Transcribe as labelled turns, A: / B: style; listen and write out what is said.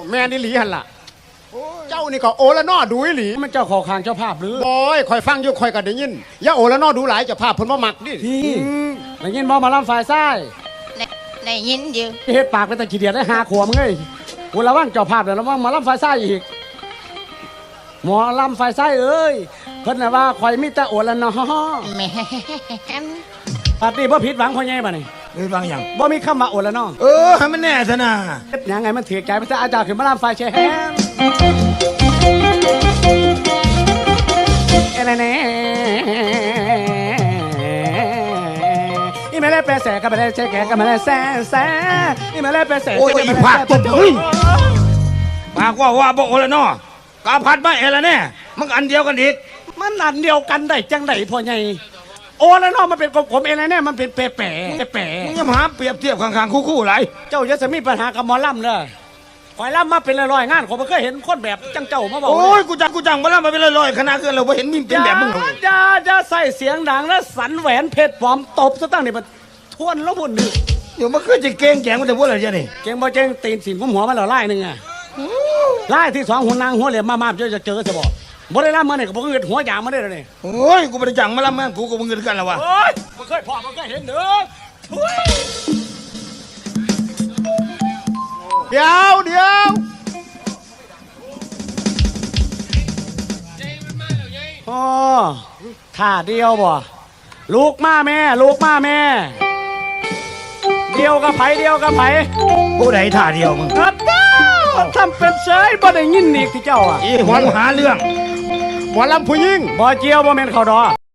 A: แม่นี่หลีหันล่ะเจ้านี่ก็โอละนอดูหลีมันเจ้าขอคางเจ้าภาพหรือโอ้ยคอยฟังอยู่คอยก็ได้ยินอย่าโอละนอดูหลายเจ้าภาพเพิ่นบ่มักดิพี่ได้ยินบ่มาลำฝ่ายซ้าย
B: ในยินอยู่
A: เฮ็ดปากเป็นตะขี้เดียดได้หาขวมเอ้ยกูระวังเจ้าภาพแล้วระวังมาลำฝ่ายซ้ายอีกหมอลำฝ่ายซ้ายเอ้ยเพิ่นน่ะว่าคอยมีแต่โอละนอ
B: แม่น
A: ปาร์ตี้บ่ผิดหวังพ่อใหญ่บัดนี้
C: บางอย่าง
A: บ่มีคำว่าโอละนอ
C: ให้มันแน่ซะนะ
A: เฮ็ดหยังไงมันถือใจพระอาจารย์ขึ้นมาลำฝ่ายแชร์แฮมเอเน่อีเมลเปแสกับเมลเชแกกับเมลแสอีเมลเปแส
C: โอ้ยอีผักตบปากว่าบอกโอละนอกาพัดมาเอละแน่มันอันเดียวกันอีก
A: มันอันเดียวกันได้จังไดพ่อใหญ่โอละนอมันเป็นกลมๆเอละแน่มันเป็นแปะ
C: มึงอย่ามาเปรียบเทียบข้างๆคู่ๆไร
A: เจ้าจะมีปัญหากับหมอลำเลยคอยลำมาเป็นร้อยงานผมไม่เคยเห็นคนแบบจังเจ้ามาบอก
C: โอ้ยกูจังมาลำมาเป็นร้อยขนาดเกินเราไม่เห็นมีเป็นแบบมึง
A: จะใส่เสียงดังแล้วสันแหวนเพชรปลอมตบซะตั้งนี่มันทวนแล้วบุญนี่
C: เดี๋ยวมันคือจะเก่งแจงมันจะพูดอะไรเนี่ยนี่
A: เก่งบ่เก่งตีนสินผมหัวมันละไล่หนึ่งอ่ะไล่ที่สองหัวนางหัวเหลี่ยมมาจะเจอจะบอกบ่ได้ลำมาเนี่ยก็บ่เงินหัวยางมาได้เลย
C: โอ้ยกูไม่ได้จังมาลำมากูก็มึงเงินกันแล้ววะ
A: โอ้ยมันเคยพอมันเคยเห็นเด้อเดี๋ยวอ๋อท่าเดียวบ่ลูกมาแม่เดียวกับไผ
C: ผู้ใดท่าเดียวมึง
A: ครับทำเป็นเฉยบ่ได้ยินอีกที่เจ้าอ่ะ
C: อีหัวหาเรื่อง
A: หมอลำผู้หญิงบ่เจียวบ่แม่นเขาดอ